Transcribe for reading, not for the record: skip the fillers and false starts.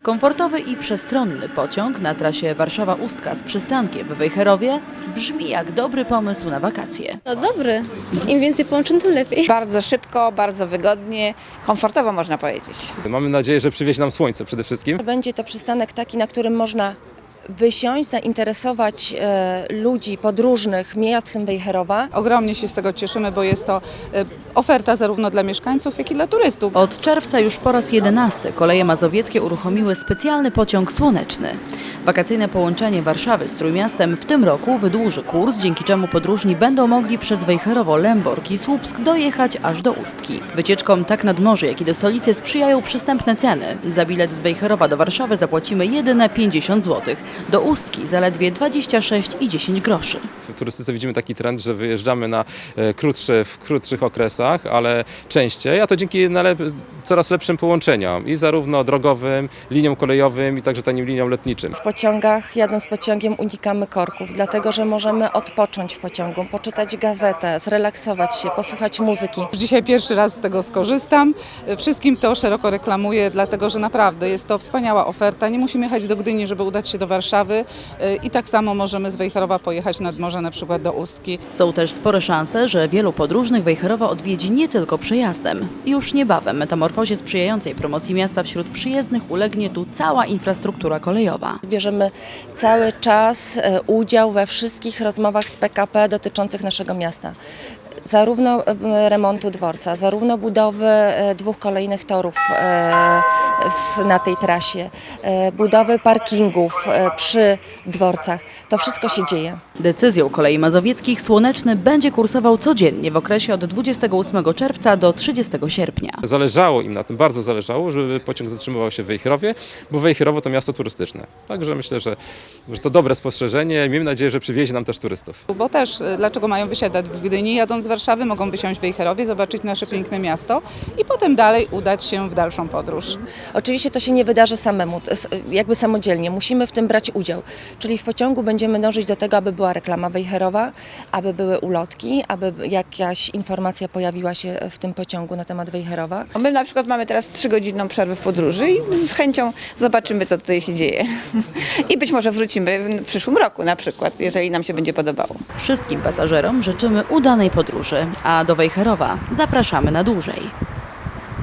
Komfortowy i przestronny pociąg na trasie Warszawa-Ustka z przystankiem w Wejherowie brzmi jak dobry pomysł na wakacje. No dobry. Im więcej połączeń, tym lepiej. Bardzo szybko, bardzo wygodnie, komfortowo można powiedzieć. Mamy nadzieję, że przywiezie nam słońce przede wszystkim. Będzie to przystanek taki, na którym można wysiąść, zainteresować ludzi podróżnych miastem Wejherowa. Ogromnie się z tego cieszymy, bo jest to oferta zarówno dla mieszkańców, jak i dla turystów. Od czerwca już po raz 11 Koleje Mazowieckie uruchomiły specjalny pociąg słoneczny. Wakacyjne połączenie Warszawy z Trójmiastem w tym roku wydłuży kurs, dzięki czemu podróżni będą mogli przez Wejherowo, Lęborg i Słupsk dojechać aż do Ustki. Wycieczkom tak nad morze, jak i do stolicy sprzyjają przystępne ceny. Za bilet z Wejherowa do Warszawy zapłacimy jedyne 50 zł. Do Ustki zaledwie 26,10 groszy. W turystyce widzimy taki trend, że wyjeżdżamy na w krótszych okresach, ale częściej, a to dzięki coraz lepszym połączeniom i zarówno drogowym, liniom kolejowym i także tanim liniom lotniczym. W pociągach, jadąc pociągiem, unikamy korków, dlatego że możemy odpocząć w pociągu, poczytać gazetę, zrelaksować się, posłuchać muzyki. Dzisiaj pierwszy raz z tego skorzystam. Wszystkim to szeroko reklamuję, dlatego że naprawdę jest to wspaniała oferta. Nie musimy jechać do Gdyni, żeby udać się do Warszawy i tak samo możemy z Wejherowa pojechać nad morze, na przykład do Ustki. Są też spore szanse, że wielu podróżnych Wejherowa odwiedzi nie tylko przejazdem. Już niebawem metamorfozie sprzyjającej promocji miasta wśród przyjezdnych ulegnie tu cała infrastruktura kolejowa. Bierzemy cały czas udział we wszystkich rozmowach z PKP dotyczących naszego miasta. Zarówno remontu dworca, zarówno budowy 2 kolejnych torów na tej trasie, budowy parkingów przy dworcach. To wszystko się dzieje. Decyzją Kolei Mazowieckich Słoneczny będzie kursował codziennie w okresie od 28 czerwca do 30 sierpnia. Zależało im na tym, bardzo zależało, żeby pociąg zatrzymywał się w Wejherowie, bo Wejherowo to miasto turystyczne. Także myślę, że to dobre spostrzeżenie i miejmy nadzieję, że przywiezie nam też turystów. Bo też, dlaczego mają wysiadać w Gdyni, jadąc z Warszawy, mogą wysiąść w Wejherowie, zobaczyć nasze piękne miasto i potem dalej udać się w dalszą podróż. Oczywiście to się nie wydarzy samemu, jakby samodzielnie. Musimy w tym brać udział. Czyli w pociągu będziemy dążyć do tego, aby była reklama Wejherowa, aby były ulotki, aby jakaś informacja pojawiła się w tym pociągu na temat Wejherowa. My na przykład mamy teraz 3-godzinną przerwę w podróży i z chęcią zobaczymy, co tutaj się dzieje. I być może wrócimy w przyszłym roku na przykład, jeżeli nam się będzie podobało. Wszystkim pasażerom życzymy udanej podróży, a do Wejherowa zapraszamy na dłużej.